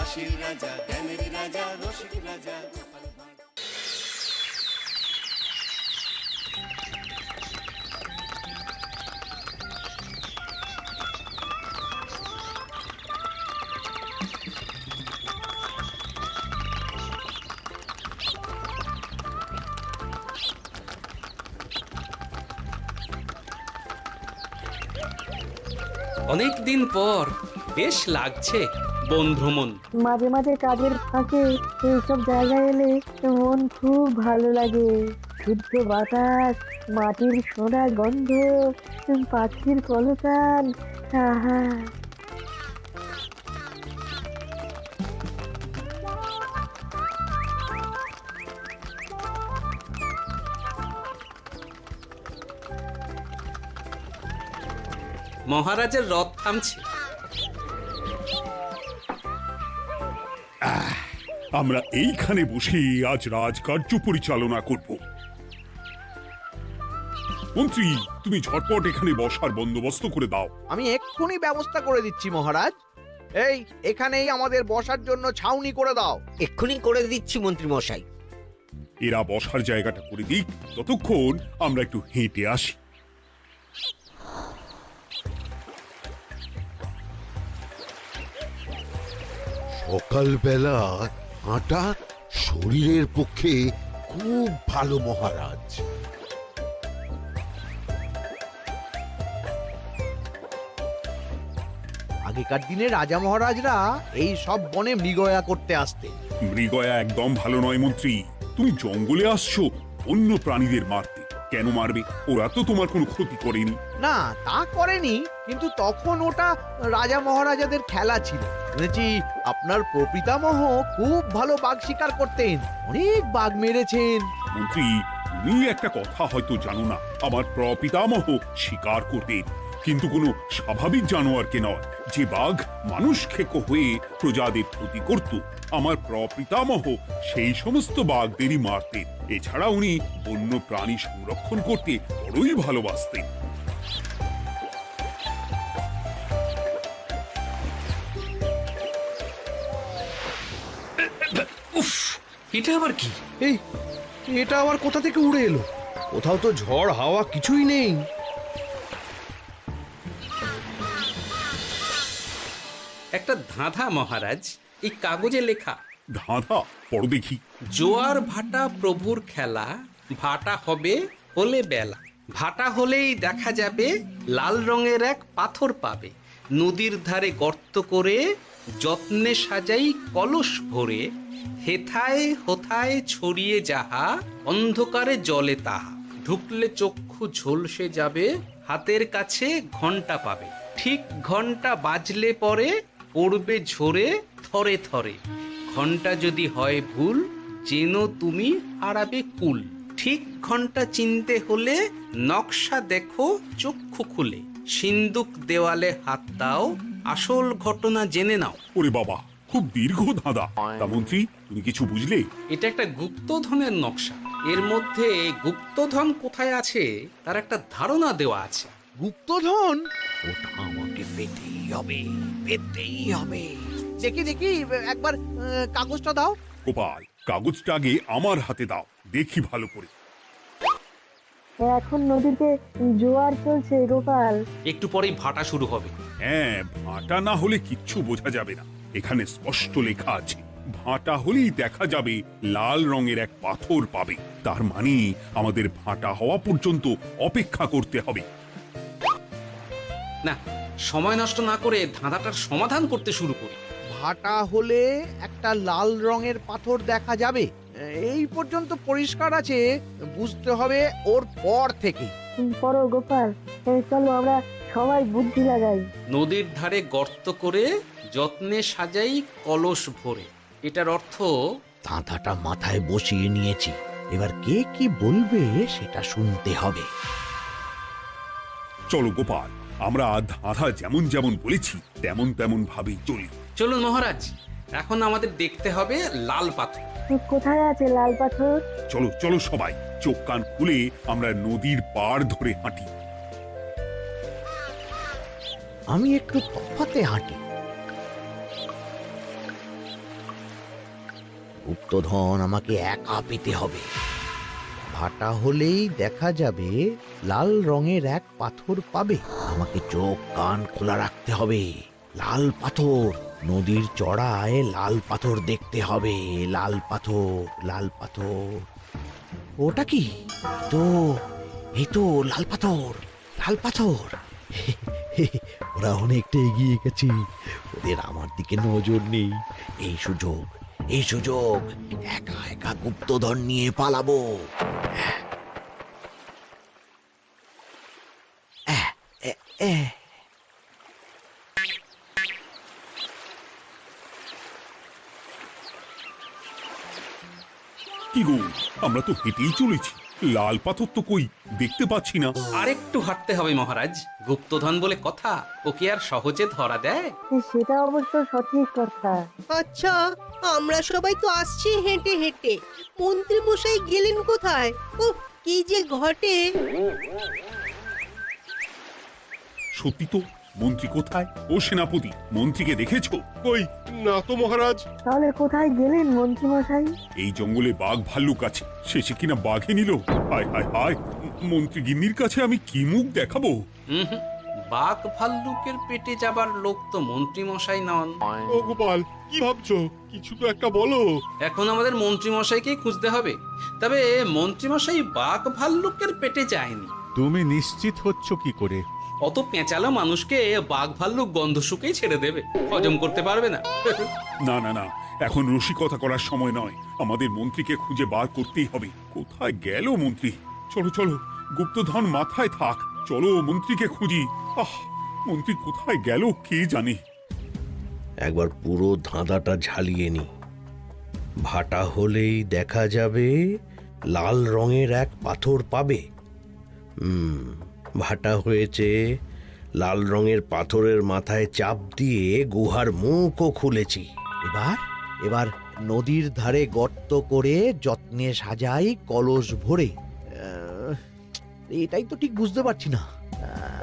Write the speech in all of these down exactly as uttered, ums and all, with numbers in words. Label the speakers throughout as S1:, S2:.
S1: হাসির রাজা, জ্ঞানের রাজা, রসিক রাজা।
S2: অনেক দিন পর বেশ লাগছে বন ভ্রমণ।
S3: মাঝে মাঝে কাজের ফাঁকে এইসব জায়গায় এলে মন খুব ভালো লাগে। শুদ্ধ বাতাস, মাটির সোনা গন্ধ, পাখির কলতান, আহা।
S2: মহারাজের রথ থামছে।
S4: আমরা এইখানে বসে আজ রাজকার্য পরিচালনা করব। মন্ত্রী, তুমি ঝটপট এখানে বসার বন্দোবস্ত করে দাও।
S5: আমি এক্ষুনি ব্যবস্থা করে দিচ্ছি মহারাজ। এই এখানেই আমাদের বসার জন্য ছাউনি করে দাও।
S6: এক্ষুনি করে দিচ্ছি মন্ত্রী মশাই।
S4: এরা বসার জায়গাটা করে দিক, ততক্ষণ আমরা একটু হেঁটে আসি।
S7: সকালবেলা হাঁটা শরীরের পক্ষে খুব ভালো মহারাজ।
S5: আগেকার দিনে রাজা মহারাজরা এই সব বনে মৃগয়া করতে আসতেন।
S4: মৃগয়া একদম ভালো নয় মন্ত্রী। তুমি জঙ্গলে আসছো অন্য প্রাণীদের মারতে। কেন মারবে? ওরা তো তোমার কোনো ক্ষতি করেনি।
S5: না, তা করেনি, কিন্তু তখন ওটা রাজা মহারাজাদের খেলা ছিল। শুনেছি আপনার প্রপিতামহ খুব ভালো বাঘ শিকার করতেন, অনেক বাঘ মেরেছেন।
S4: মন্ত্রী, তুমি একটা কথা হয়তো জানো না। আমার প্রপিতামহ শিকার করতেন, কিন্তু কোনো স্বাভাবিক জানোয়ারকে নয়, যে বাঘ মানুষ খেকো হয়ে প্রজাদের ক্ষতি করত। আমার প্রপিতামহ সেই সমস্ত বাঘদেরই মারতেন। এছাড়া উনি বন্য প্রাণী সংরক্ষণ করতে বড়ই ভালোবাসতেন।
S2: উফ, এটা আবার কি?
S5: এই এটা আবার কোথা থেকে উড়ে এলো? কোথাও তো ঝড় হাওয়া কিছুই নেই।
S2: একটা ধাঁধা মহারাজ, এই কাগজে লেখা।
S4: ধাঁধা? পড়ো দেখি।
S2: জোয়ার ভাটা প্রভুর খেলা, ভাটা হবে হলে বেলা। ভাটা হলেই দেখা যাবে লাল রঙের এক পাথর পাবে। নদীর ধারে গর্ত করে যত্নে সাজাই কলস ভরে। হেথায় হোথায় ছড়িয়ে যাহা, অন্ধকারে জলে তাহা। ঢুকলে চক্ষু ঝলসে যাবে, হাতের কাছে ঘন্টা পাবে। ঠিক ঘন্টা বাজলে পরে পড়বে ঝরে থরে থরে। ঘন্টা যদি হয় ভুল, যেন তুমি হারাবে কুল। ঠিক ঘন্টা চিনতে হলে নকশা দেখো চক্ষু খুলে। সিন্দুক দেওয়ালে হাত দাও, আসল ঘটনা জেনে নাও।
S4: ওরে বাবা, খুব দীর্ঘ ধাঁধা। তা মন্ত্রী, তুমি কিছু বুঝলে?
S2: এটা একটা গুপ্তধনের নকশা। এর মধ্যে গুপ্তধন কোথায় আছে তার একটা ধারণা দেওয়া আছে।
S5: গুপ্তধন? ওটা আমাকে পেতেই হবে, পেতেই হবে। দেখি দেখি একবার আহ, কাগজটা দাও।
S4: গোপাল, কাগজটা আগে আমার হাতে দাও, দেখি ভালো করে।
S3: এখন নদীতে জোয়ার চলছে গোপাল।
S2: একটু পরেই ভাটা শুরু হবে।
S4: হ্যাঁ, ভাটা না হলে কিচ্ছু বোঝা যাবে না। এখানে স্পষ্ট লেখা আছে, ভাটা হলেই দেখা যাবে লাল রঙের এক পাথর পাবে। তার মানে আমাদের ভাটা হওয়া পর্যন্ত অপেক্ষা করতে হবে।
S2: না, সময় নষ্ট না করে ধাঁধাটার সমাধান করতে শুরু করি।
S5: ভাটা হলে একটা লাল রঙের পাথর দেখা যাবে, এই পর্যন্ত পরিষ্কার আছে। বুঝতে হবে ওর পর থেকে।
S3: পড়ো গোপাল, এই চলো আমরা সবাই বুদ্ধি লাগাই।
S2: নদীর ধারে গর্ত করে যত্নে সাজাই কলস ভরে। এটার অর্থ,
S5: ধাঁধাটা মাথায় বসিয়ে নিয়েছি, এবার কে কি বলবে সেটা শুনতে হবে।
S4: চলো গোপাল, আমরা ধাঁধা যেমন যেমন বলেছি তেমন তেমন ভাবেই চলি।
S2: চলুন মহারাজ, এখন আমাদের দেখতে হবে লাল পাথর।
S3: কোথায় আছে লাল পাথর?
S4: চলো চলো সবাই, চোখ কান খুলে আমরা নদীর পাড় ধরে হাঁটি।
S5: আমি একটু তফাতে হাঁটি। গুপ্তধন আমাকে একা পেতে হবে। ভাটা হলেই দেখা যাবে লাল রঙের এক পাথর পাবে। আমাকে চোখ কান খোলা রাখতে হবে। লাল পাথর, নদীর চড়ায় লাল পাথর দেখতে হবে। লাল পাথর, লাল পাথর। ওটা কি? তো এই তো লাল পাথর, লাল পাথর। ওরা অনেকটা এগিয়ে গেছে, ওদের আমার দিকে নজর নেই। এই সুযোগ, এই সুযোগ, একা একা গুপ্তধন নিয়ে পালাবো। আহ, এ, এ।
S4: কি গো, আমরা তো হেঁটেই চলেছি, লাল পাথর তো কই দেখতে পাচ্ছি না।
S2: আরেকটু হাঁটতে হবে মহারাজ, গুপ্তধন বলে কথা, ওকে আর সহজে ধরা দেয়?
S3: সেটা অবশ্য সঠিক কথা।
S8: আচ্ছা, আমরা সবাই তো আসছি হেঁটে হেঁটে, মন্ত্রী মশাই গেলেন কোথায়? ও কি যে ঘটে!
S4: সত্যি তো, মন্ত্রী কোথায়? ও সেনাপতি, মন্ত্রীকে দেখেছো?
S9: কই না তো মহারাজ।
S3: তাহলে কোথায় গেলেন মন্ত্রী মশাই?
S4: এই জঙ্গলে বাঘ ভাল্লুক আছে, শেষে কিনা বাঘে নিল। হায় হায় হায়, মন্ত্রী গিন্নির কাছে আমি কি মুখ দেখাবো?
S2: হুম হুম, বাঘ ভাল্লুকের পেটে যাবার লোক তো মন্ত্রী মশাই নন।
S9: ও গোপাল, কি ভাবছো? কিছু তো একটা বলো।
S2: এখন আমাদের মন্ত্রী মশাইকেই খুঁজতে হবে। তবে মন্ত্রী মশাই বাঘ ভাল্লুকের পেটে যায়নি।
S10: তুমি নিশ্চিত হচ্ছ কি করে?
S2: অত পেঁচালো মানুষকে বাঘ ভাল্লুক গন্ধ শুকেই ছেড়ে দেবে, হজম করতে পারবে না।
S4: না না না, এখন রসিকতা করার সময় নয়, আমাদের মন্ত্রীকে খুঁজে বার করতেই হবে। কোথায় গেল মন্ত্রী? চলো চলো, গুপ্তধন মাথায় থাক, চলো মন্ত্রীকে খুঁজি। আহ, মন্ত্রী কোথায় গেল কে জানে।
S5: একবার পুরো ধাঁধাটা ঝালিয়ে নি। ভাটা হলেই দেখা যাবে লাল রঙের এক পাথর পাবে। হুম, ভাটা হয়েছে, লাল রঙের পাথরের মাথায় চাপ দিয়ে গুহার মুখও খুলেছি। এবার এবার নদীর ধারে গর্ত করে যত্নে সাজাই কলস ভরে। আহ, এটাই তো ঠিক বুঝতে পারছি না। আহ,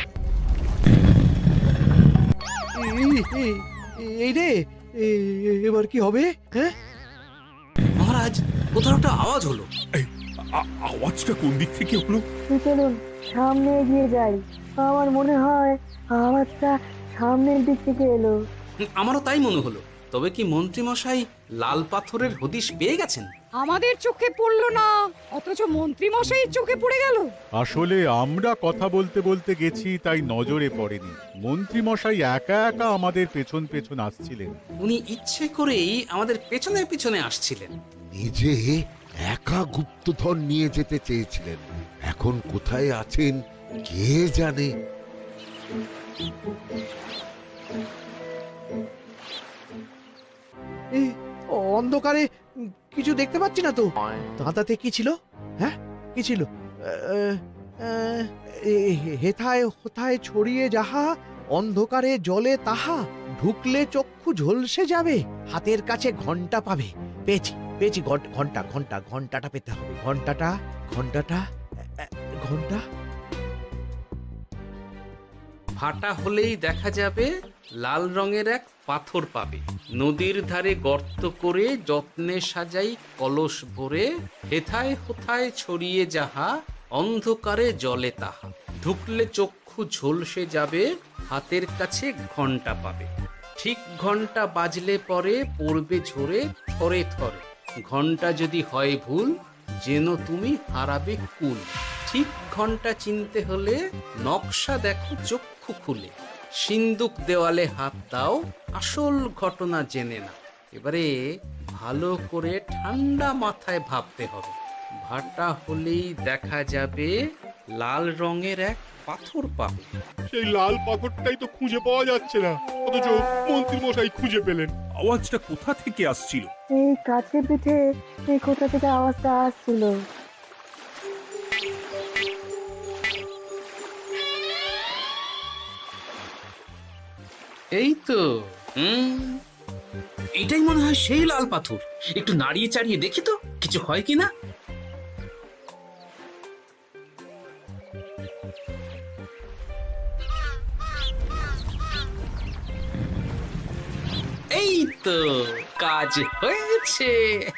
S5: এই- এই- এই রে, এ- এবার কি হবে? হ্যাঁ,
S2: মহারাজ, কোথাও একটা আওয়াজ হলো।
S4: এই, আ- আওয়াজটা কোন দিক থেকে হলো?
S3: চলুন সামনে এগিয়ে যাই। আমার মনে হয় আওয়াজটা সামনের দিক থেকে এলো।
S2: হুম, আমারও তাই মনে হলো। তবে কি মন্ত্রী মশাই লাল পাথরের হদিশ পেয়ে গেছেন?
S11: আমাদের চোখে পড়লো না, অথচ মন্ত্রী মশাইয়ের চোখে পড়ে গেল।
S10: আসলে আমরা কথা বলতে বলতে গেছি, তাই নজরে পড়েনি। মন্ত্রী মশাই একা একা আমাদের পেছন পেছন আসছিলেন।
S2: উনি ইচ্ছে করেই আমাদের পেছনে পেছনে আসছিলেন।
S7: নিজে একা গুপ্তধন নিয়ে যেতে চেয়েছিলেন, এখন কোথায় আছেন কে জানে।
S5: এই অন্ধকারে কিছু দেখতে পাচ্ছি না তো। দাঁতাতে কি ছিল? হ্যাঁ, কি ছিল? আহ, আহ, এ- হেথায় হোথায় ছড়িয়ে যাহা, অন্ধকারে জলে তাহা, ঢুকলে চক্ষু ঝলসে যাবে, হাতের কাছে ঘন্টা পাবে। পেয়েছি পেয়েছি, ঘন্টা ঘন্টা ঘন্টা ঘন্টাটা পেতে হবে। ঘন্টাটা ঘন্টাটা আহ, ঘন্টা।
S2: ভাটা হলেই দেখা যাবে লাল রঙের এক পাথর পাবে। নদীর ধারে গর্ত করে যত্নে সাজাই কলস ভরে, হেথায় হোথায় ছড়িয়ে যাহা, অন্ধকারে জলে তাহা, ঢুকলে চক্ষু ঝলসে যাবে, হাতের কাছে ঘন্টা পাবে। ঠিক ঘন্টা বাজলে পরে পড়বে ঝরে থরে থরে, ঘন্টা যদি হয় ভুল, যেন তুমি হারাবে কুল। ঠিক ঘন্টা চিনতে হলে নকশা দেখো চক্ষু খুলে, সিন্দুক দেওয়ালে হাত দাও, আসল ঘটনা জেনে না। এবারে ভালো করে ঠান্ডা মাথায় ভাবতে হবে। ভাটা হলেই দেখা যাবে লাল রঙের এক পাথর পাবে।
S9: সেই লাল পাথরটাই তো খুঁজে পাওয়া যাচ্ছে না, অথচ মন্ত্রী মশাই খুঁজে পেলেন।
S4: আওয়াজটা কোথা থেকে আসছিল?
S3: এই কাছে পিঠে এই কোথা থেকে আওয়াজটা আসছিল।
S2: এই তো, হুম, এটাই মনে হয় সেই লাল পাথর। একটু নাড়িয়ে চাড়িয়ে দেখি তো কিছু হয় কিনা। এই তো, কাজ হয়েছে।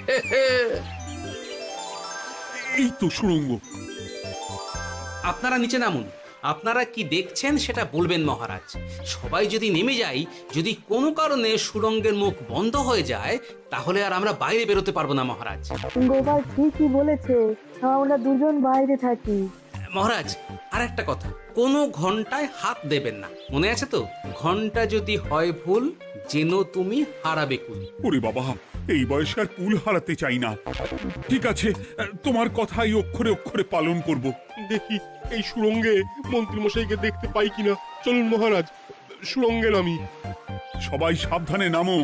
S4: এই তো সুড়ঙ্গ।
S2: আপনারা নিচে নামুন। আপনারা কি দেখছেন সেটা বলবেন মহারাজ। সবাই যদি নেমে যাই, যদি কোনো কারণে সুড়ঙ্গের মুখ বন্ধ হয়ে যায়, তাহলে আর আমরা বাইরে বেরোতে পারবো না মহারাজ।
S3: গোপাল ঠিকই বলেছে, আমরা দুজন বাইরে থাকি।
S2: মহারাজ, আর একটা কথা, কোনো ঘন্টায় হাত দেবেন না, মনে আছে তো? ঘন্টা যদি হয় ভুল, যেন তুমি হারাবে কুল।
S4: ওরে বাবা, এই বয়সে আর কুল হারাতে চাই না। ঠিক আছে, তোমার কথাই অক্ষরে অক্ষরে পালন করব।
S9: দেখি এই সুরঙ্গে মন্ত্রীমশাইকে দেখতে পাই কিনা। চলুন মহারাজ, সুরঙ্গে নামি।
S4: সবাই সাবধানে নামো।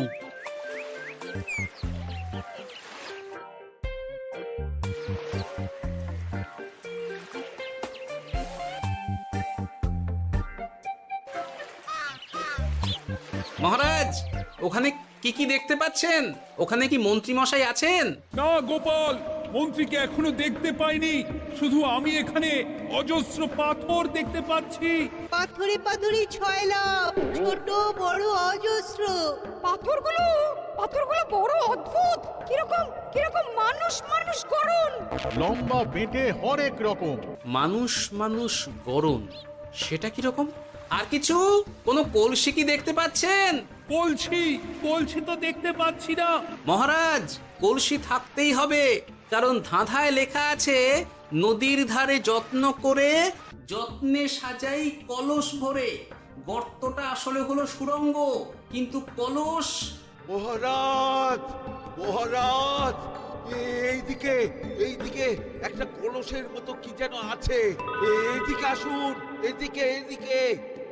S2: মহারাজ, ওখানে কি কি দেখতে পাচ্ছেন? ওখানে কি মন্ত্রী মশাই আছেন?
S4: না গোপাল, মন্ত্রীকে এখনো দেখতে পাইনি। শুধু আমি এখানে অজস্র পাথর দেখতে পাচ্ছি।
S8: পাথরে পাথরে ছয় লাভ, ছোট বড় অজস্র।
S11: পাথরগুলো পাথরগুলো বড় অদ্ভুত, কিরকম কিরকম মানুষ মানুষ করুন।
S10: লম্বা বেটে হরেক রকম।
S2: মানুষ মানুষ গরম, সেটা কি রকম? আর কিছু? কোনো কলসি কি দেখতে পাচ্ছেন?
S4: কলসি কলসি তো দেখতে পাচ্ছি না।
S2: মহারাজ, কলসি থাকতেই হবে, কারণ ধাঁধায় লেখা আছে, নদীর ধারে যত্ন করে যত্নে সাজাই কলস ভরে। গর্তটা আসলে হলো সুড়ঙ্গ, কিন্তু কলস।
S7: মহারাজ, মহারাজ, এইদিকে এইদিকে একটা কলসের মতো কি যেন আছে। এইদিকে আসুন, এদিকে এদিকে।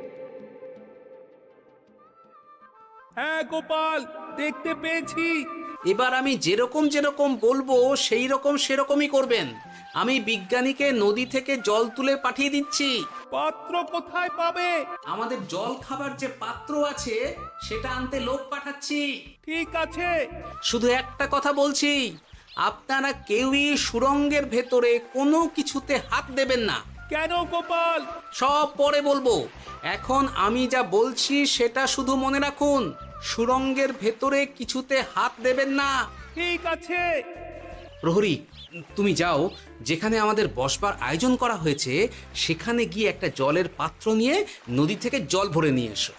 S4: হ্যাঁ গোপাল, দেখতে পেয়েছি।
S2: এবার আমি যেরকম যেরকম বলবো সেই রকম সেরকমই করবেন। আমি বিজ্ঞানীকে নদী থেকে জল তুলে পাঠিয়ে দিচ্ছি।
S4: পাত্র কোথায় পাবে?
S2: আমাদের জল খাবার যে পাত্র আছে সেটা আনতে লোক পাঠাচ্ছি।
S4: ঠিক আছে।
S2: শুধু একটা কথা বলছি, আপনারা কেউই সুড়ঙ্গের ভেতরে কোনো কিছুতে হাত দেবেন না।
S4: কেন গোপাল?
S2: সব পরে বলবো, এখন আমি যা বলছি সেটা শুধু মনে রাখুন। সুড়ঙ্গের ভেতরে কিছুতে হাত দেবেন না।
S4: ঠিক আছে।
S2: প্রহরী, তুমি যাও, যেখানে আমাদের বসবার আয়োজন করা হয়েছে সেখানে গিয়ে একটা জলের পাত্র নিয়ে নদী থেকে জল ভরে নিয়ে এসো।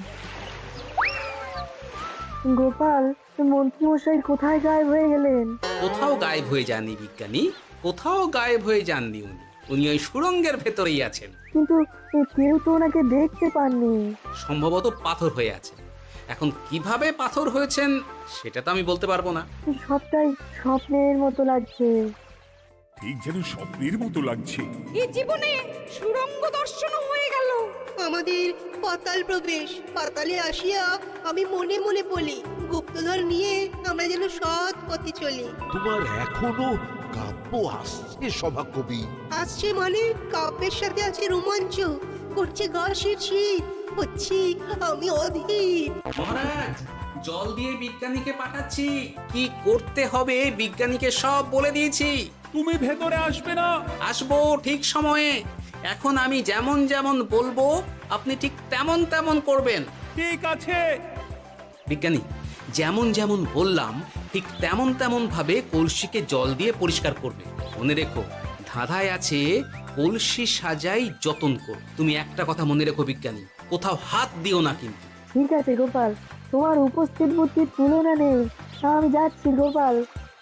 S3: গোপাল, মন্ত্রীমশাই কোথায় গায়েব হয়ে গেলেন?
S2: কোথাও গায়েব হয়ে যাননি বিজ্ঞানী, কোথাও গায়েব হয়ে যাননি উনি। উনি ওই সুড়ঙ্গের ভেতরেই আছেন।
S3: কিন্তু কেউ তো ওনাকে দেখতে পাননি।
S2: সম্ভবত পাথর হয়ে আছে। এখন কিভাবে পাথর হয়েছেন সেটা তো আমি বলতে পারবো না।
S3: সবটাই স্বপ্নের মতো লাগছে।
S4: ঠিক যেন স্বপ্নের মতো লাগছে।
S11: এই জীবনে সুরঙ্গ দর্শন হয়ে গেল।
S8: আমাদের পাতাল প্রবেশ। পাতালে আসিয়া আমি মনে মনে বলি, গুপ্তধর নিয়ে আমরা যেন সৎ পথে চলি।
S7: তোমার এখনো কাব্য আসছে সভাকবি?
S8: আসছে মানে কাব্যের সাথে আছে রোমাঞ্চ, করছে গা শীত, হচ্ছি আমি অধীর।
S2: মহারাজ, জল দিয়ে বিজ্ঞানীকে পাঠাচ্ছি। কি করতে হবে বিজ্ঞানীকে সব বলে দিয়েছি।
S4: তুমি ভেতরে আসবে না?
S2: আসবো ঠিক সময়ে। এখন আমি যেমন যেমন বলবো আপনি ঠিক তেমন তেমন করবেন।
S4: ঠিক আছে।
S2: বিজ্ঞানী, যেমন যেমন বললাম ঠিক তেমন তেমন ভাবে কলসিকে জল দিয়ে পরিষ্কার করবে। মনে রেখো, ধাঁধায় আছে কলসি সাজাই যতন কর। তুমি একটা কথা মনে রেখো বিজ্ঞানী, কোথাও হাত দিও না কিন্তু।
S3: ঠিক আছে গোপাল, তোমার উপস্থিত বুদ্ধির তুলনা নেই। আমি যাচ্ছি গোপাল।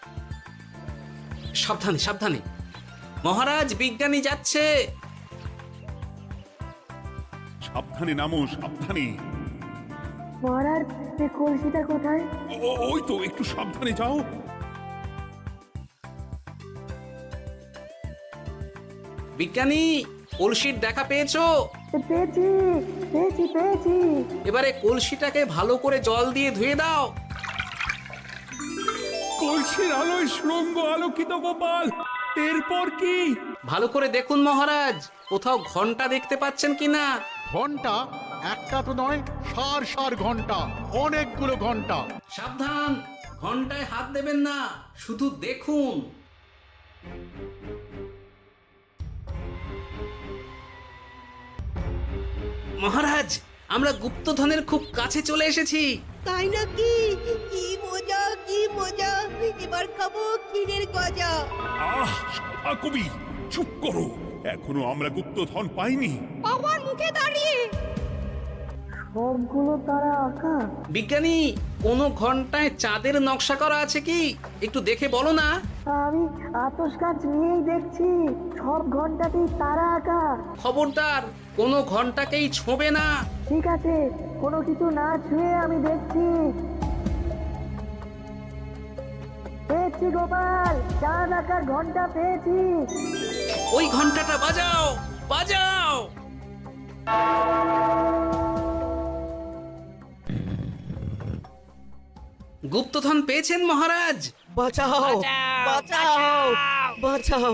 S2: সাবধানে সাবধানে। মহারাজ, বিজ্ঞানী যাচ্ছে।
S4: সাবধানে নামো, সাবধানে।
S3: মহারাজ, এই কলসিটা কোথায়?
S4: ও- ওই তো, একটু সাবধানে যাও।
S2: বিজ্ঞানী, কলসির দেখা পেয়েছো?
S3: পেয়েছি পেয়েছি পেয়েছি।
S2: এবারে কলসিটাকে ভালো করে জল দিয়ে ধুয়ে দাও।
S4: কলসির আলোয় সুড়ঙ্গ আলোকিত গোপাল। এরপর কি?
S2: ভালো করে দেখুন মহারাজ, কোথাও ঘন্টা দেখতে পাচ্ছেন কিনা।
S10: ঘন্টা? একটা তো নয়, সার সার ঘন্টা, অনেকগুলো ঘন্টা।
S2: সাবধান, ঘন্টায় হাত দেবেন না, শুধু দেখুন। মহারাজ, আমরা গুপ্তধনের খুব কাছে চলে এসেছি।
S8: তাই নাকি? কি মজা কি মজা, এবার খাবো ক্ষীরের গজা।
S4: আহ সভা কবি, চুপ করো, এখনো আমরা গুপ্তধন পাইনি।
S11: আমার মুখে দাঁড়িয়ে
S3: সবগুলো তারা আঁকা।
S2: বিজ্ঞানী, কোনো ঘন্টায় চাঁদের নকশা করা আছে কি? একটু দেখে বলো না।
S3: আমি আতস কাজ নিয়েই দেখছি, সব ঘন্টাতেই তারা আঁকা।
S2: খবরদার, কোনো ঘন্টাকেই ছোঁবে না।
S3: ঠিক আছে, কোনো কিছু না ছুঁয়ে আমি দেখছি। পেয়েছি গোপাল, চাঁদ আঁকার ঘন্টা পেয়েছি।
S2: ওই ঘন্টাটা বাজাও, বাজাও। গুপ্তধন পেয়েছেন মহারাজ।
S6: বাঁচাও বাঁচাও বাঁচাও।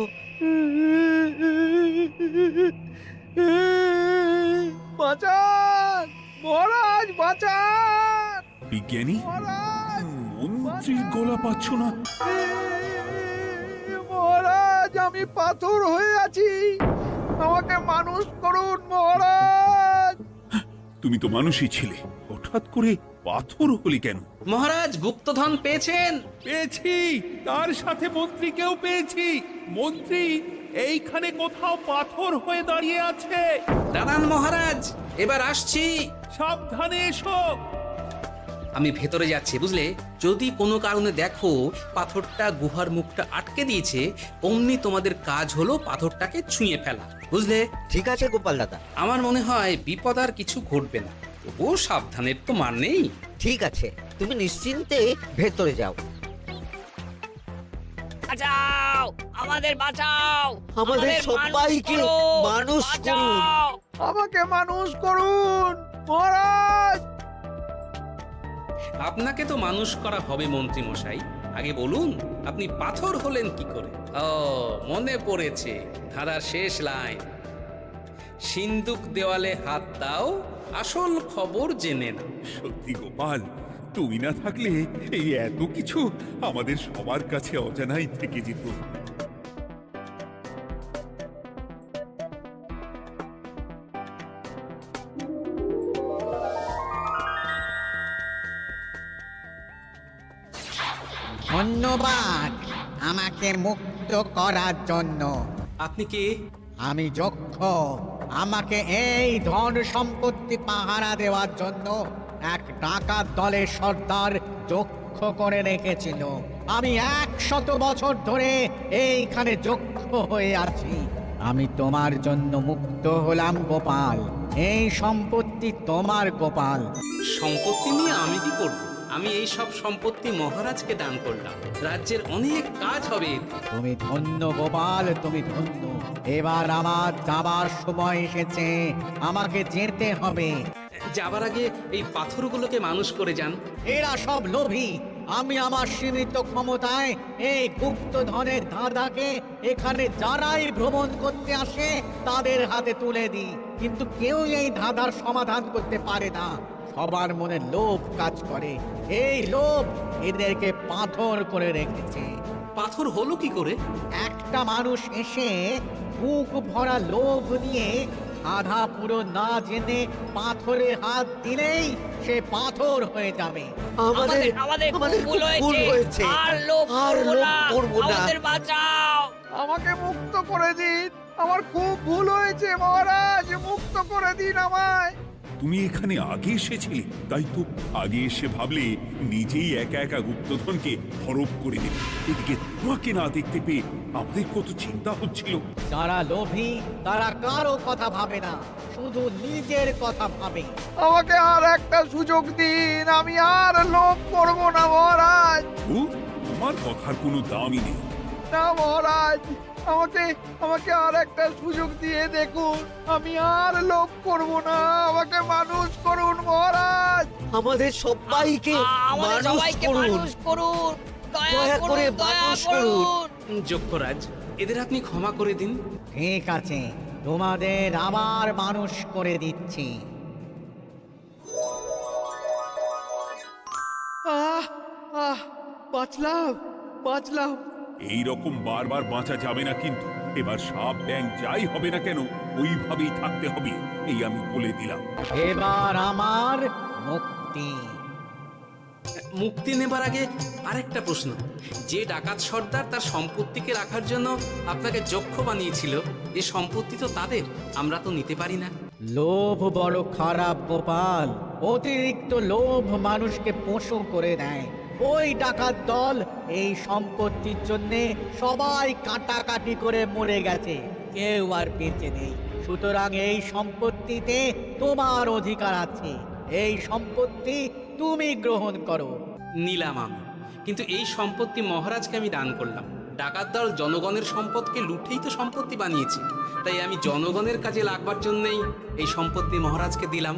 S5: বাঁচান মহারাজ, বাঁচান
S4: বিজ্ঞানী,
S5: মহারাজ,
S4: মন্ত্রীর গলা পাচ্ছ না?
S5: মহারাজ, আমি পাথর হয়ে আছি, আমাকে মানুষ করুন মহারাজ।
S4: তুমি তো মানুষই ছিলে, হঠাৎ করে পাথর হলি কেন?
S2: মহারাজ, গুপ্তধন পেয়েছেন?
S4: পেয়েছি, তার সাথে মন্ত্রীকেও পেয়েছি। মন্ত্রী এইখানে কোথাও পাথর হয়ে দাঁড়িয়ে আছে।
S2: দাঁড়ান মহারাজ, এবার আসছি।
S4: সাবধানে এসো।
S2: আমি ভেতরে যাচ্ছি, বুঝলে? যদি কোনো কারণে দেখো পাথরটা গুহার মুখটা আটকে দিয়েছে, অমনি তোমাদের কাজ হলো পাথরটাকে ছুঁয়ে ফেলা, বুঝলে?
S6: ঠিক আছে গোপাল দাদা।
S2: আমার মনে হয় বিপদ আর কিছু ঘটবে না, তবুও সাবধানের তো মান নেই।
S6: ঠিক আছে, তুমি নিশ্চিন্তে ভেতরে যাও।
S11: বাঁচাও, আমাদের বাঁচাও,
S6: আমাদের সবাইকে মানুষ করুন।
S5: আমাকে মানুষ করুন মহারাজ।
S2: আপনাকে তো মানুষ করা হবে মন্ত্রী মশাই। আগে বলুন, আপনি পাথর হলেন কি করে? ও, মনে পড়েছে ধারার শেষ লাইন, সিন্দুক দেওয়ালে হাত দাও, আসল খবর জেনে না।
S4: সত্যি গোপাল, তুমি না থাকলে এই এত কিছু আমাদের সবার কাছে অজানাই থেকে যেত।
S12: ধন্যবাদ আমাকে মুক্ত করার জন্য।
S2: আপনি কে?
S12: আমি যক্ষ। আমাকে এই ধন সম্পত্তি পাহারা দেওয়ার জন্য এক ডাকাত দলের সর্দার যক্ষ করে রেখেছিল। আমি একশত বছর ধরে এইখানে যক্ষ হয়ে আছি। আমি তোমার জন্য মুক্ত হলাম গোপাল। এই সম্পত্তি তোমার গোপাল।
S2: সম্পত্তি নিয়ে আমি কি করব? আমি এই সব সম্পত্তি মহারাজকে দান করলাম, রাজ্যের অনেক কাজ হবে এতে।
S12: তুমি ধন্য গোপাল, তুমি ধন্য। এবার আমার যাবার সময় এসেছে, আমাকে যেতে হবে।
S2: যাবার আগে এই পাথরগুলোকে মানুষ করে যান।
S12: এরা সব লোভী। আমি আমার সীমিত ক্ষমতায় এই গুপ্ত ধনের ধাঁধাকে এখানে যারাই ভ্রমণ করতে আসে তাদের হাতে তুলে দিই, কিন্তু কেউ এই ধাঁধার সমাধান করতে পারে না। সবার মনে লোভ কাজ করে, এই লোভ এদেরকে পাথর করে রেখেছে।
S2: পাথর হলো কি করে?
S12: একটা মানুষ এসে বুক ভরা লোভ নিয়ে আধা পুরো না জেনে পাথরে হাত দিলেই সে পাথর হয়ে যাবে।
S6: আমাদের
S11: আমাদের
S6: আমাদের
S11: ভুল
S6: ভুল
S11: হয়েছে,
S6: হয়েছে,
S11: আর লোভ
S6: আর
S11: করবো
S6: লোভ
S11: না,
S6: করবো না।
S11: আমাদের বাঁচাও।
S5: আমাকে মুক্ত করে দিন, আমার খুব ভুল হয়েছে মহারাজ, মুক্ত করে দিন আমায়।
S4: তুমি এখানে আগে এসেছিলে, তাই তো আগে এসে ভাবলে নিজেই একা একা গুপ্তধনকে হরপ করে দেবে। এদিকে তোমাকে না দেখতে পেয়ে আমাদের কত চিন্তা হচ্ছিল।
S12: যারা লোভী তারা কারো কথা ভাবে না, শুধু নিজের কথা ভাবে।
S5: আমাকে আর একটা সুযোগ দিন, আমি আর লোভ করব না মহারাজ।
S4: ও, তোমার কথার কোনো দামই নেই।
S5: না মহারাজ, আমাকে আমাকে আর একটা সুযোগ দিয়ে দেখুন, আমি আর লোভ করব না, আমাকে মানুষ করুন মহারাজ।
S6: আমাদের সবাইকে
S11: আমাদের
S6: মানুষ
S11: সবাইকে
S6: করুন।
S11: মানুষ করুন, দয়া
S6: দয়া করে
S11: করুন, দয়া
S6: মানুষ
S11: করুন।
S2: যক্ষরাজ, এদের আপনি ক্ষমা করে দিন।
S12: ঠিক আছে, তোমাদের আবার মানুষ করে দিচ্ছি।
S5: আহ আহ বাঁচলাম বাঁচলাম।
S4: এই রকম বারবার বাঁচা যাবে না, কিন্তু এবার সাপ ব্যাং যাই হবে না কেন ওইভাবেই থাকতে হবে, এই আমি বলে দিলাম।
S12: এবার আমার মুক্তি।
S2: মুক্তি নেবার আগে আরেকটা প্রশ্ন, যে ডাকাত সর্দার তার সম্পত্তিকে রাখার জন্য আপনাকে যক্ষ বানিয়েছিল, এ সম্পত্তি তো তাদের, আমরা তো নিতে পারি না।
S12: লোভ বড় খারাপ গোপাল, অতিরিক্ত লোভ মানুষকে পশু করে দেয়। ওই ডাকাত দল এই সম্পত্তির জন্যে সবাই কাটাকাটি করে মরে গেছে, কেউ আর বেঁচে নেই। সুতরাং এই সম্পত্তিতে তোমার অধিকার আছে, এই সম্পত্তি তুমি গ্রহণ করো।
S2: নিলাম আমি, কিন্তু এই সম্পত্তি মহারাজকে আমি দান করলাম। ডাকাত দল জনগণের সম্পদকে লুঠেই তো সম্পত্তি বানিয়েছে, তাই আমি জনগণের কাজে লাগবার জন্যই এই সম্পত্তি মহারাজকে দিলাম।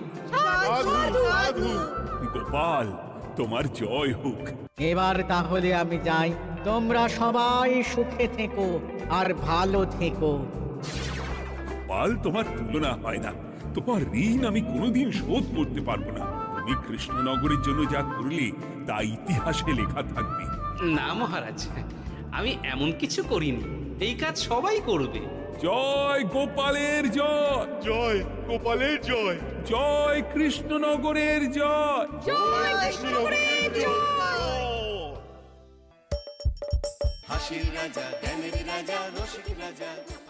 S4: গোপাল, তোমার জয় হোক।
S12: এবার তাহলে আমি যাই, তোমরা সবাই সুখে থেকো আর ভালো থেকো।
S4: গোপাল, তোমার তুলনা হয় না। তোমার ঋণ আমি কোনোদিন শোধ করতে পারবো না। তুমি কৃষ্ণনগরের জন্য যা করলে তা ইতিহাসে লেখা থাকবে।
S2: না মহারাজ, আমি এমন কিছু করিনি, এই কাজ সবাই করবে।
S4: জয় গোপালের জয়,
S9: জয় গোপালের জয়,
S4: জয় কৃষ্ণনগরের জয়।
S11: জয় কৃষ্ণনগরের জয়।
S1: হাসির রাজা জ্ঞানের রাজা রসিক রাজা